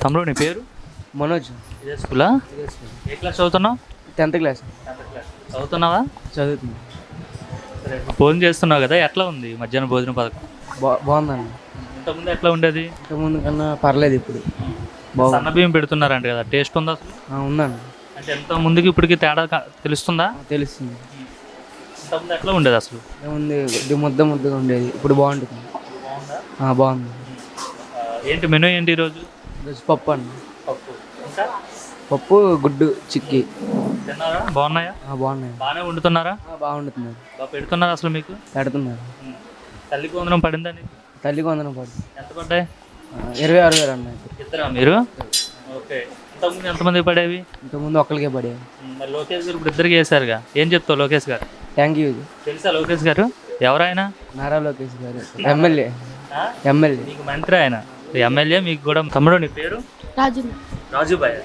తమ్ముడు నీ పేరు? మనోజ్. ఇదే స్కూలా? ఏ క్లాస్ చదువుతున్నావు? 10th క్లాస్ చదువుతున్నావా? చదువుతుంది. సరే, భోజనం చేస్తున్నావు కదా, ఎట్లా ఉంది మధ్యాహ్నం భోజన పథకం? బాగుందండి. ఇంతకుముందు ఎట్లా ఉండేది? ఇంతకుముందు కన్నా పర్లేదు, ఇప్పుడు బాగుంది. సన్న బియ్యం పెడుతున్నారంట కదా, టేస్ట్ ఉందా అసలు? ఉందండి. అంటే ఎంత ముందుకి ఇప్పటికి తేడా తెలుస్తుందా? తెలుస్తుంది. ఇంతకుముందు ఎట్లా ఉండేది అసలు? ఏముంది, ఇది ముద్దగా ఉండేది, ఇప్పుడు బాగుంటుంది. బాగుంది. ఏంటి మెనూ ఏంటి ఈరోజు? ఈరోజు పప్పు అండి. పప్పు, ఇంకా పప్పు, గుడ్డు, చిక్కీ. తిన్నారా? బాగున్నాయా? బాగున్నాయి. బాగానే వండుతున్నారా? బాగుంటున్నారు. బాగా పెడుతున్నారు అసలు మీకు? పెడుతున్నారు. తల్లికి వందనం పడిందా నీకు? తల్లికి వందనం పడుతుంది. ఎంత పడ్డాయి? 26,000 అన్నాయి. ఇద్దరా మీరు? ఓకే. ఇంతకుముందు ఎంతమందికి పడేవి? ఇంతకుముందు ఒక్కరికే పడేవి. మరి లోకేష్ గారు ఇప్పుడు ఇద్దరికి వేశారుగా, ఏం చెప్తావు లోకేష్ గారు? Thank you. తెలుసా లోకేష్ గారు ఎవరైనా? నారా లోకేష్ గారు ఎమ్మెల్యే. మీకు మంత్రి ఆయన, ఎమ్మెల్యే మీకు కూడా. తమ్ముడు నీ పేరు? రాజుబాయ్.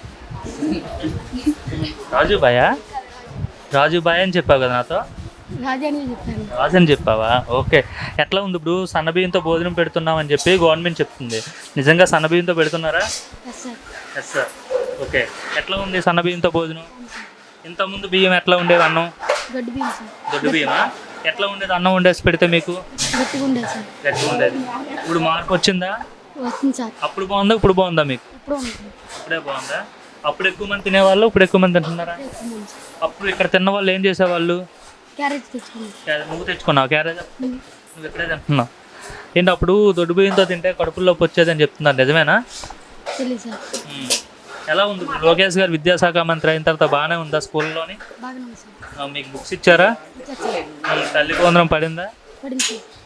రాజుబాయ్ అని చెప్పావు కదా నాతో? రాజు అని చెప్పావా? ఓకే. ఎట్లా ఉంది ఇప్పుడు సన్నబియ్యంతో భోజనం పెడుతున్నాం అని చెప్పి గవర్నమెంట్ చెప్తుంది, నిజంగా సన్నబియ్యంతో పెడుతున్నారా? Yes sir. ఓకే. ఎట్లా ఉంది సన్నబియ్యంతో భోజనం? ఇంతకుముందు బియ్యం ఎట్లా ఉండేది? అన్నం దొడ్డు బియ్యమా? ఎట్లా ఉండేది అన్నం వండేసి పెడితే మీకు? గట్టిగా ఉండేది. ఇప్పుడు మార్పు వచ్చిందా? అప్పుడు బాగుందా ఇప్పుడు బాగుందా మీకు? ఇప్పుడే బాగుందా? అప్పుడు ఎక్కువ మంది తినేవాళ్ళు, ఇప్పుడు ఎక్కువ మంది తింటున్నారా? అప్పుడు ఇక్కడ తిన్న వాళ్ళు ఏం చేసేవాళ్ళు? నువ్వు తెచ్చుకున్నావు క్యారేజ్? నువ్వు ఇక్కడే తింటున్నావు ఏంటి? అప్పుడు దొడ్డు బియ్యంతో తింటే కడుపులోకి వచ్చేది అని చెప్తున్నారు, నిజమేనా? ఎలా ఉంది లోకేష్ గారు విద్యాశాఖ మంత్రి అయిన తర్వాత? బాగానే ఉందా స్కూల్లోని? మీకు బుక్స్ ఇచ్చారా? తల్లికి వందనం పడిందా?